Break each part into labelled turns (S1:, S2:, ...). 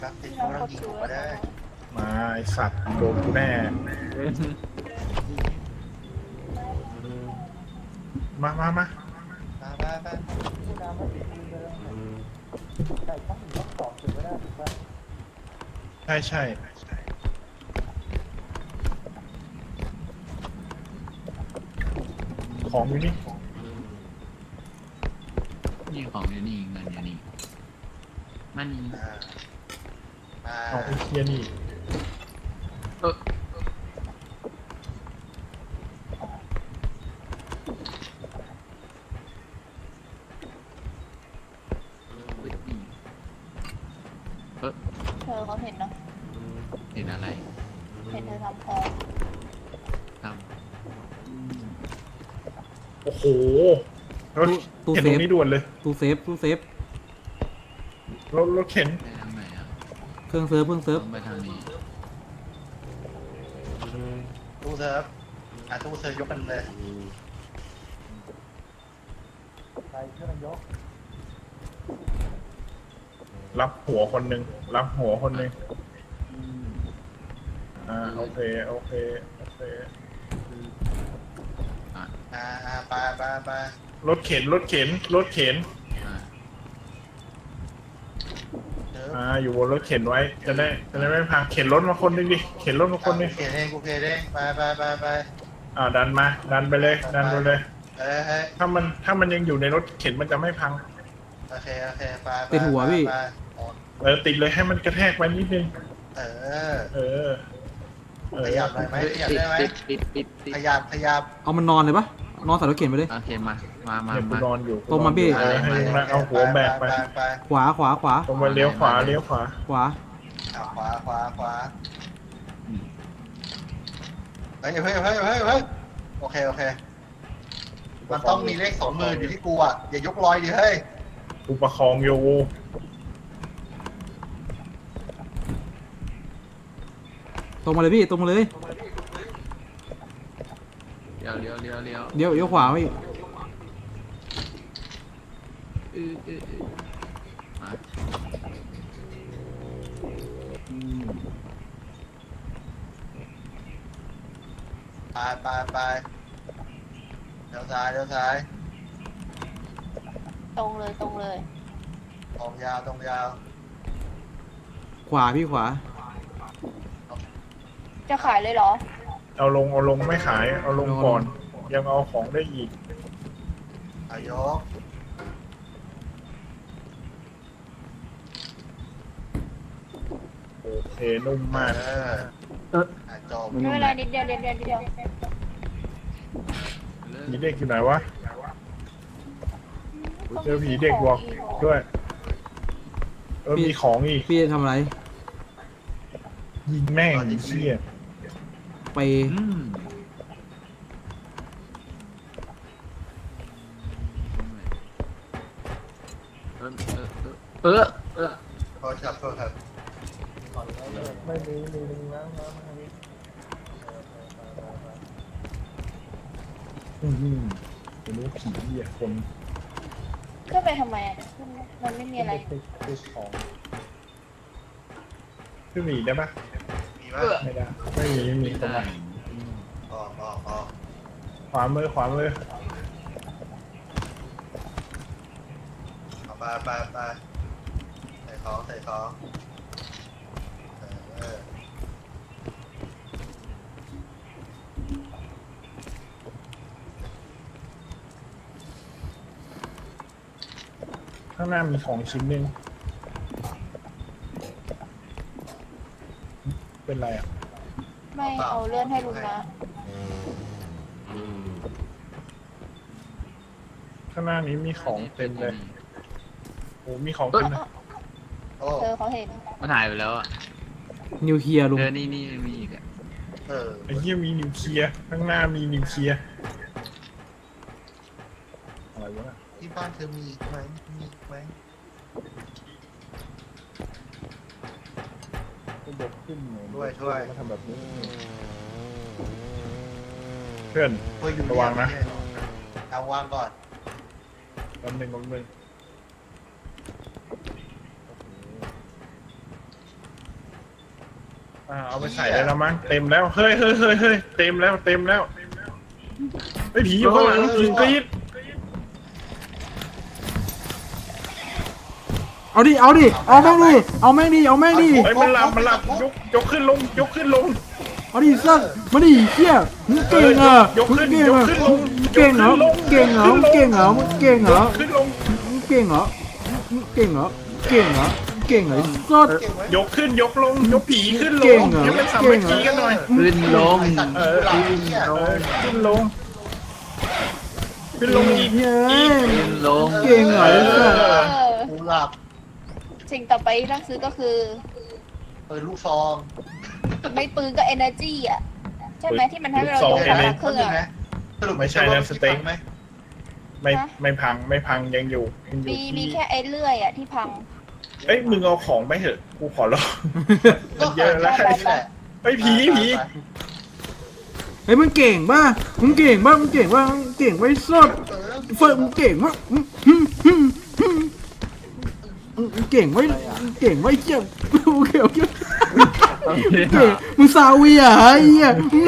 S1: ครับติดตัวเรายิงผมก็ได้
S2: มาไอสัตว์โดนกูแน่มา
S1: มาไป
S2: ใช่ใช่ของอยู่นี่
S3: นี่ของอยู่นี่เงินอยู่นี่มันนี่
S2: เอาไอ้เคียนี่
S3: เออเออ
S4: เธอเขาเห็นเนาะ
S3: เห็นอะไร
S4: เห็นเธอทำพอ
S3: ท
S2: โอ้โหรถ
S5: ตู้
S2: เข็น
S5: เซ
S2: ตร
S5: ฟ
S2: งนี้ด่วนเลย
S5: ตู้เซฟ
S2: รถเข็น
S3: ำไปทางไหนอ่ะ
S5: เครื่องเซิร์ฟ
S3: ต้องไปทางนี้
S1: ตู้เซิร์ฟตู้เซิร์ฟยกกันเลยใครช่วยกันยก
S2: รับหัวคนหนึ่งรับหัวคนหนึ่งโอเคโอเคโอเค
S1: ไป
S2: รถเข็นรถเข็นรถเข็น อยู่บนรถเข็นไว้จะได้ไม่พังเข็นรถมาคนหนึงดิเข็นรถมาคนหนึง
S1: กูเขียนเองไป
S2: ดันไปเลยดันไปเลย
S1: เฮ้ย
S2: ถ้ามันยังอยู่ในรถเข็นมันจะไม่พัง
S1: โอเคไป
S5: ติดหัวพี่
S2: ติดเลยให้มันกระแทกไว้นิดนึง
S1: เออ ขยับหน่อยไหมขยับได้ไหม
S3: ปิด
S1: ขยับ
S5: เอามันนอนเลยปะนอนใส่รถเข็นไปเลย
S3: โอเคมา
S2: เนี่ยกูนอนอยู่
S5: ตรงมาพี่
S2: ให้มันเอาหัวแบกไป
S5: ขวา
S2: ตรงมาเลี้ยวขวา
S5: ขวา
S1: ขวาเฮ้ยโอเคมันต้องมีเลข20,000อยู่ที่กูอ่ะอย่ายกลอยดิเฮ้ย
S2: กูประคองอยู่
S5: ตรงมาเลยพี่ ตรงมาเลย
S3: เลี้ยว
S5: เดี๋ยวขวาพี่
S3: มา
S1: ไปเดี๋ยวซ้าย
S4: ตรงเลย
S1: ตรงยาว
S5: ขวาพี่ขวา
S4: จะขายเลยเหรอ
S2: เอาลงไม่ขายเอาลงก่อน ยังเอาของได้อีก
S1: อายก
S2: โอเคนุ่มมาก
S1: จบ
S4: ไม่เป็นไรนิดเดียว
S2: ผีเด็กอยู่ไหนวะเจอผีเด็กบอกด้วยมีของอีก
S5: พี่จะทำอะไร
S2: ยิงแม่งไอ้เชี่ย
S5: ไป
S1: โทษครับ
S2: ไม่มีนะไม่รู้ผีเหี้ยคน
S4: ขึ้นไปทำไมอ่ะมันไม่มีอะไร
S2: ติดของขึ้นหนีได้ปะ
S1: มีปะ
S2: ไม่ได้ไม่มีตรงไหน
S1: ออก
S2: ขวามือ
S1: ไปใส่ของ
S2: ข้างหน้ามีของชิ้นหนึ่งเป็นไรอ่ะ
S4: ไม่เอาเลื่อนให้ลุงนะ
S2: ข้างหน้านี้มีของเต็มเลยโอ้มีของเต็มเลย
S1: โอ้
S4: เธอเขาเห็น
S3: มันหายไปแล้วอ่ะ
S5: นิวเคลียร์ลุง
S3: นี่มีอีกอ่ะ
S2: ไอ้เหี้ยมีนิวเคลียร์ข้างหน้ามีนิวเคลียร์อะไรวะ
S1: ที่บ้านเธอมีอีกไหม
S2: ก็ยกขึ้นหน่อย
S1: ช่วย
S2: มาทำแบบนี้เพื่อน
S1: ช่วยอยู่
S2: ระวังนะ
S1: เอาวางก่อน
S2: ลำหนึ่งเอาไปใส่ได้แล้วมั้งเต็มแล้วเฮ้ยเต็มแล้วไอ้ผีอยู่ข้างหลังผีกรี๊ด
S5: เอาดิเอาแม่งดิเอาแม่งดิ
S2: เฮ้ยมันหลับยกขึ้นลง
S5: เอาดิสัตว์มาดิเหี้ยมึงเก่งอ่ะ
S2: ยก
S5: มึง
S2: ขึ้น
S5: เก่ง
S2: ยก
S5: อ่ะ
S2: ขึ้นลง
S5: มึงเก่งเหรอมึงเก่งเหรอมึงเก่งเหรอมึงเก่งเหรอ
S2: ขึ้นลง
S5: มึงเก่งเหรอมึงเก่งเหรอเก่งเหรอเก่งเหรอสัตว์
S1: เก่งไว้
S2: ยกขึ้นยกลงยกผีขึ้นล
S5: เก่
S2: ง
S5: งเหรอ
S2: ให้มันสามัคคีกันหน่อย
S3: ขึ้นลง
S1: ไอ้สัตว์กูหลับไอ้เหี้ย
S2: ขึ้นลงอีก
S5: เฮ้ย
S3: ขึ้นลง
S5: เก่งเหรอไอ้สัตว์
S1: กูหลับ
S4: สิ่งต่อไปที่ต้องซื้อก็คือ
S1: ปืนลูกซอง
S4: ไม่ปืนก็ energy อ่ะ ใช่ไหมที่มันให้เรายกขาเครื่อง
S1: ไหม
S4: อะ
S1: สรุป
S2: ไม่ใช่นะสเต็ก
S1: ไหม
S2: ไม่พังยังอยู่
S4: มีแค่ไอ้เลื่อยอ่ะที่พัง
S2: เอ้ยมึงเอาของไปเถอะกูขอร้อง
S1: ก็
S2: เยอะแล้ว
S1: แค่นี้แหละ
S2: ไอ้ผี
S5: เฮ้ยมึงเก่งป่ะมึงเก่งป่ะมึงเก่งป่ะมึงเก่งไว้สัตว์เฟิร์มงเก่งป่ะมึงเก่งไว้เก่งไว้เจ้าโอเคเก่งมึงซาเวียไอ้เหี้ย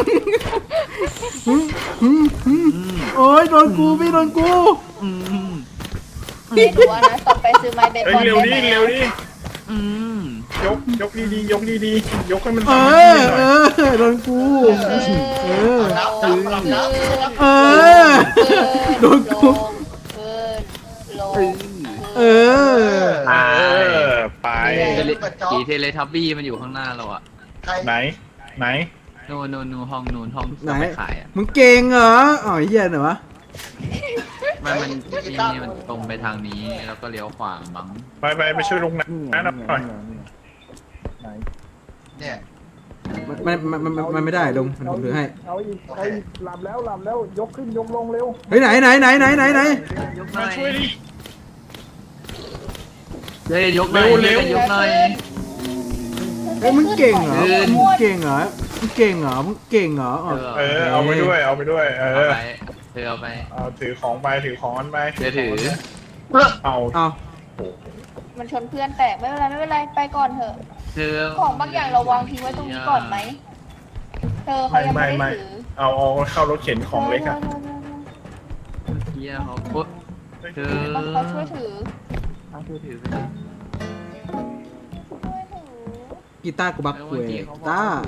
S5: โอ้ยโดนกูพี่โดนกู
S4: ไม่รู้ว่านะต่อไปซื้อไม้เบส
S2: เอ้
S4: บ
S2: ย
S4: อล
S2: เร็ว
S4: ได้
S2: ดิ
S4: ไหม
S2: เร็วดิ
S3: อืม
S2: ยกดีๆยกให้มัน
S5: เอ
S2: สามัคคี
S5: อ
S2: หน่อย
S5: โดนกู
S1: นับนับ
S5: เออโดนกู เออ
S2: ไป
S3: ผีเทเลทับบี้มันอยู่ข้างหน้าเราอะ
S1: ใคร
S2: ไหน
S3: นูห้อง
S5: ไหน
S3: จะไปขายอะ
S5: มึงเก่งเหรออ๋อเหี้ยเหรอวะ
S3: มันนี่มันตรงไปทางนี้แล้วก็เลี้ยวขวามั้ง
S2: ไปช่วยลุงนะหน่อย
S1: เนี่ย
S5: มันไม่ได้ลงผมถือให้
S2: เอาอีกหลับแล้วยกขึ้นยกลงเร็ว
S5: เฮ้ยไหน
S3: ยกห
S2: มา
S3: น่อย
S2: ช่วยดิ
S3: เฮ้ยยกหน่อย
S2: เร็ว
S3: ยกหน่อย
S5: เฮ้ยมึงเก่งเหรอ
S3: ขึ้น
S5: มึงเก่งเหรอมึงเก่งเหรอมึงเก่งเหรออ๋อ
S2: เอาไปด้วยเอา
S3: ไปเธอเอาไป
S2: เอาถือของมันไป
S3: เธอถือ
S2: เอา
S5: เอา
S4: มันชนเพื่อนแตกไม่เป็นไรไปก่อนเถอะ
S3: เธอ
S4: ของบางอย่างเราวางทิ้งไว้ตรงนี้ก่อนไหมเธอเขายังไม่ได้ถือ
S2: เอาเข้ารถเข็นของเล็กอะ
S3: เฮียเขาปุ๊บเธอ
S4: เขาช่วยถือ
S3: เธอถือไปดิ
S4: ช่วยถือ
S5: กีตาร์กูบักคุยกีตาร์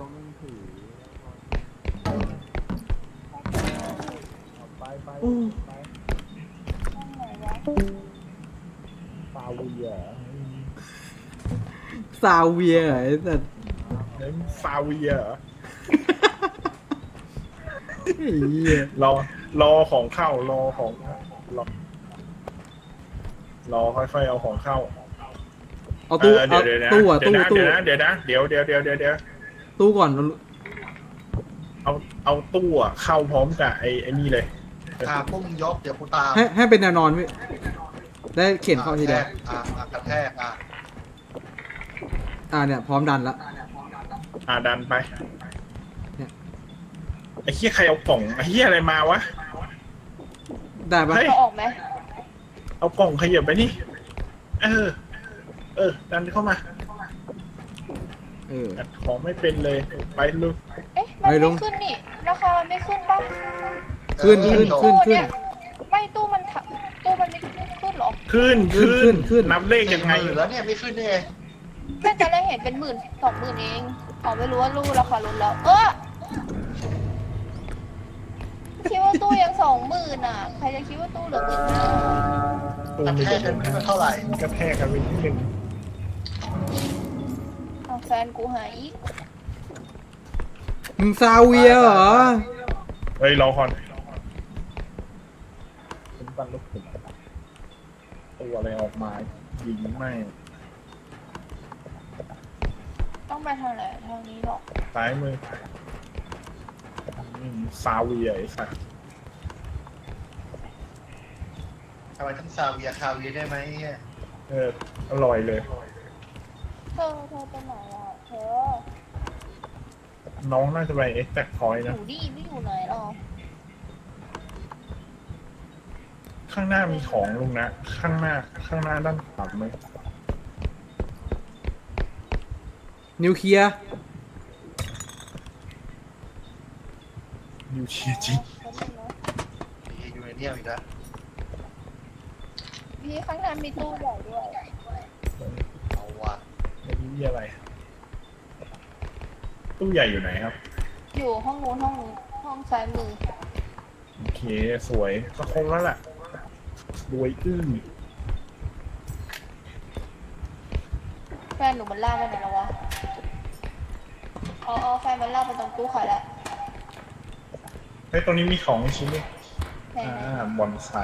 S5: อู้
S4: นั่นไหนวะ
S5: ซาเวียไอ้สัส
S2: ซาเวีย
S5: ไอ้เหี้ย
S2: รอของเข้ารอค่อยๆเอาของเข้า
S5: เอาตู้
S2: เดี๋
S5: เอา
S2: ยว
S5: ตู้อะตู้
S2: เดี๋ยวนะเดี๋ยว
S5: ตู้ก่อน
S2: เอาตู้อะเข้าพร้อมกับไอ้นี่เลย
S1: พวกมึงยกเดี๋ยวกูตาม
S5: ให้เป็นแนวนอนพี่ได้เข็นเข้าทีเดียว
S1: กระแทก
S5: เนี่ยพร้อมดันละ
S2: ดันไป
S5: เนี่ย
S2: ไอ้เหี้ยใครเอากล่องไอ้เหี้ยอะไรมาวะ
S5: ได้ปะ
S2: เฮ้ย
S4: เขาออกไหม
S2: เอากล่องขยับไปนี่ดันเข้ามา อัดของไม่เป็นเลยไปลุก
S4: เอ๊ะมันไม่ขึ้นนี่ราคามันไม่ขึ้นป่ะ
S5: ขึ้น
S4: เนี่ยไม่ตู้มันไม่ขึ้นหรอ
S2: ขึ้นนับเลข
S1: ยั
S2: ยัง ง
S1: ไง
S2: ไง
S1: แล้วเนี่ยไม่ขึ้นได้ไง
S4: แม่จะได้เห็นเป็น10,000-20,000เองอ๋อไม่รู้ว่าตู้ราคาลดแล้วคิดว่าตู้ยัง20,000อ่ะใครจะคิดว่าตู้เหลือ15,000
S2: ตู
S1: กระ
S2: ไม่
S1: แท
S2: ได้
S1: กกันเท่าไหร่
S2: กระแทกกันไปนิดนึง
S4: เอาแฟนกูหายอีก
S5: มึงซาเวียเหรอ
S2: เฮ้ยรอก่อนเป็นปั้นลูกขุนตัวอะไรออกมายิงไม่
S4: ต้องไปทางไหนทางนี้หรอ
S2: ซ้ายมือซาเวียไอ้สัส
S1: ทำไมต้องซาเวียคาเวียได้ไหมเนี่ย
S2: อร่อยเลย
S4: เธอไปไหนอ่ะเธอ
S2: น้องน่าจะไปเอ็กแตกพอย
S4: อ
S2: นะ
S4: ยู่ดีไม่อยู่ไหนหรอ
S2: ข้างหน้ามีของลุงนะ ข้างหน้าด้านขวาไหม
S5: นิวเคลียร์
S2: เชียจริง
S1: มียูเรเนียมอีกแล้ว
S4: พี่ข้างหน้ามีตู้ใหญ่ด้วย
S1: เอาว่ะ
S2: ไม่รู้มีอะไร ตู้ใหญ่อยู่ไหนครับ
S4: อยู่ห้องนู้นห้องซ้ายมือ
S2: โอเคสวยก็คงแล้วแหละรวยอึ้ง
S4: แฟนหนูมันลากไปไหนแล้ววะอ๋อแฟนมันลากไปตรงตู้ขายแล้ว
S2: เฮ้ยตรงนี้มีของชิ้นนึง
S4: ไหน
S2: บอนไซ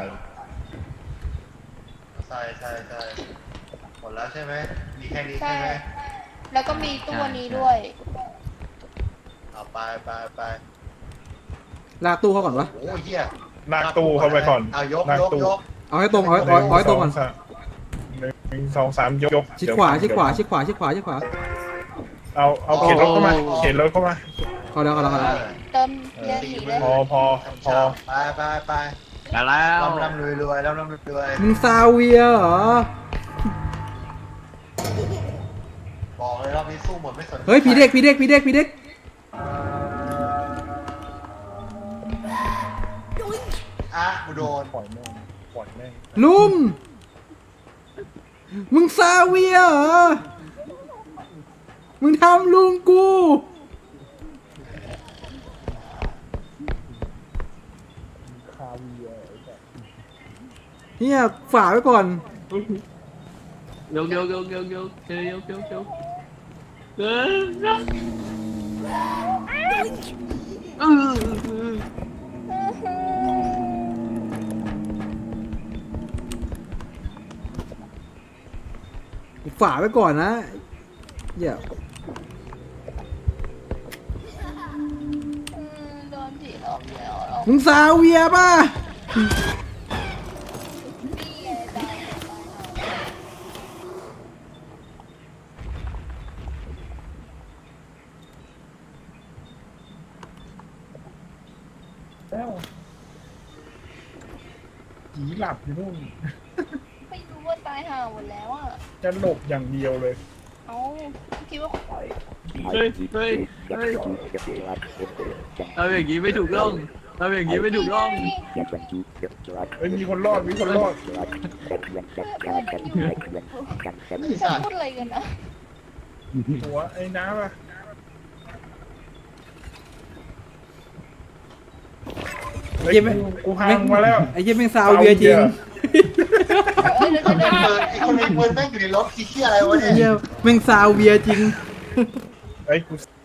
S1: ใช่หมดแล้วใช่ไหมมีแค่นี้
S4: ใช่
S1: ใช่ไหม
S4: แล้วก็มีตู้อันนี้ด้วย
S1: เอาไป
S5: ลากตู้เขาก่อนวะ
S1: โอ้ยเหี้ย
S2: ลากตู้เข้าไปก่อน
S1: เอายก
S2: ลาก
S1: ยก
S2: ตู้
S1: ยก
S5: เอาให้ตรงเอาให้ตรงก่อน
S2: หนึ่งสองสามยก
S5: ชิดขวาชิดขวาชิดขวาชิดขวาชิดขวา
S2: เอาเข็นรถเข้ามาเข็นรถเข้ามา
S5: เขาแล้ว
S4: เติมเยอะสีเลย
S2: พอ
S1: ไป
S3: มาแล้ว
S1: ร่ำรวยร่ำรวย
S5: มึงซาเวียเหรอ
S1: บอกเลยรอบนี้สู้หมดไม่สน
S5: เฮ้ยผีเด็ก
S1: อ่ะกูโดน
S2: ปล่อยแม่ง
S5: ลุงมึงซาเวียเหรอมึงทำลุงกูเนี่ยฝากไว้ก่อน
S3: ยกเออ
S5: ฝากไว้ก่อนนะเดี๋ยว
S4: โดนผีหลอกแล้ว
S5: มึงซาเวียป่ะ
S4: นี่ไงตาย
S2: แล้วผีหลับอยู่นู่น
S4: ไม่รู้ว่าตายห่าหมดแล้วอ่ะ
S2: จะหลบอย่างเดียวเลย
S4: เอ้าคิดว่า
S3: เฮ้ยเอาอย่างงี้ไม่ถูกต้องเอาอย่างงี้ไม่ถูกต้อง
S2: เฮ้ยมีคนรอด
S4: จะพูดอะไรกันนะ
S2: หัวไอ้น้ำอะ
S5: ไอ้เหี้ยแม่ง
S2: กูพังมาแล้ว
S5: ไอ้เหี้ยแม่งซาเวียจริง
S4: เดี๋ยว
S1: ไอ้คนมีปืนแม่งอยู่ในรถขี้เหี้ยอะไรวะ
S5: ไอ้
S1: เนี่ย
S5: เหี้ยแม่งซาเวียจริง
S2: เฮ้ยกู